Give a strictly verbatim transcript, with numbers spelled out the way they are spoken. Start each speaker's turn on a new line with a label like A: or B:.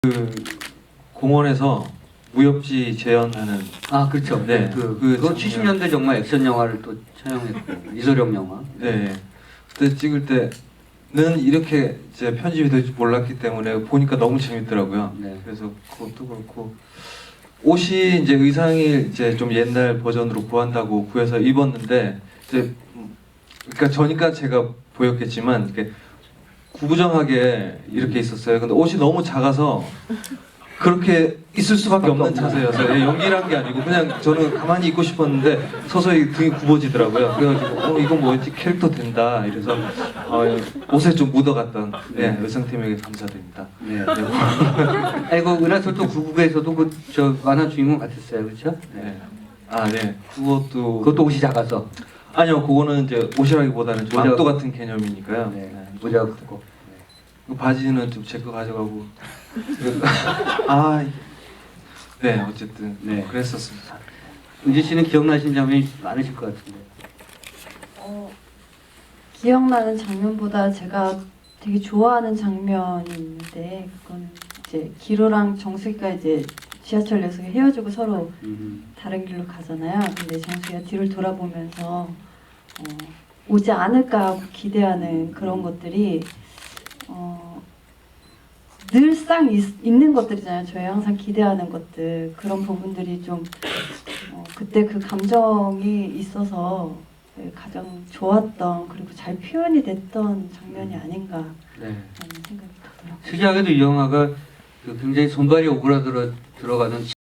A: 그 공원에서 무협지 재현하는
B: 아 그렇죠.
A: 네,
B: 그,
A: 그
B: 그거
A: 장면.
B: 칠십 년대 정말 액션 영화를 또 촬영했고 이소룡 영화.
A: 네 그때 찍을 때는 이렇게 이제 편집이 될 줄 몰랐기 때문에 보니까 너무 재밌더라고요.
B: 네.
A: 그래서 그것도 그렇고 옷이 이제 의상이 이제 좀 옛날 버전으로 구한다고 구해서 입었는데 이제 음, 그러니까 저니까 제가 보였겠지만 이렇게 구부정하게 이렇게 있었어요. 근데 옷이 너무 작아서 그렇게 있을 수밖에 없는 자세여서 예, 연기를 한 게 아니고 그냥 저는 가만히 있고 싶었는데 서서히 등이 굽어지더라고요. 그래가지고 어 이건 뭐지 캐릭터 된다 이래서 어, 옷에 좀 묻어갔던 네, 의상팀에게 감사드립니다.
B: 네. 아이고 은하철도 구구에서도 그 저 만화 주인공 같았어요, 그렇죠?
A: 네. 아 네. 그것도
B: 그것도 옷이 작아서.
A: 아니요, 그거는 이제 옷이라기보다는 좀
B: 모자-
A: 망토 같은 개념이니까요.
B: 네.
A: 네.
B: 모자가 크고.
A: 그 바지는 좀 제 거 가져가고 아 네 어쨌든
B: 네.
A: 그랬었습니다.
B: 은지 씨는 기억나시는 장면이 많으실 것 같은데.
C: 어, 기억나는 장면보다 제가 되게 좋아하는 장면이 있는데 그거는 이제 기로랑 정수기가 이제 지하철 역에서 헤어지고 서로
B: 음.
C: 다른 길로 가잖아요. 근데 정수기가 뒤를 돌아보면서 어, 오지 않을까 하고 기대하는 그런 것들이 어, 늘상 있, 있는 것들이잖아요. 저희 항상 기대하는 것들 그런 부분들이 좀 어, 그때 그 감정이 있어서 네, 가장 좋았던 그리고 잘 표현이 됐던 장면이 아닌가라는
B: 네.
C: 생각이 들더라고요.
B: 특이하게도 이 영화가 그 굉장히 손발이 오그라들어 들어가는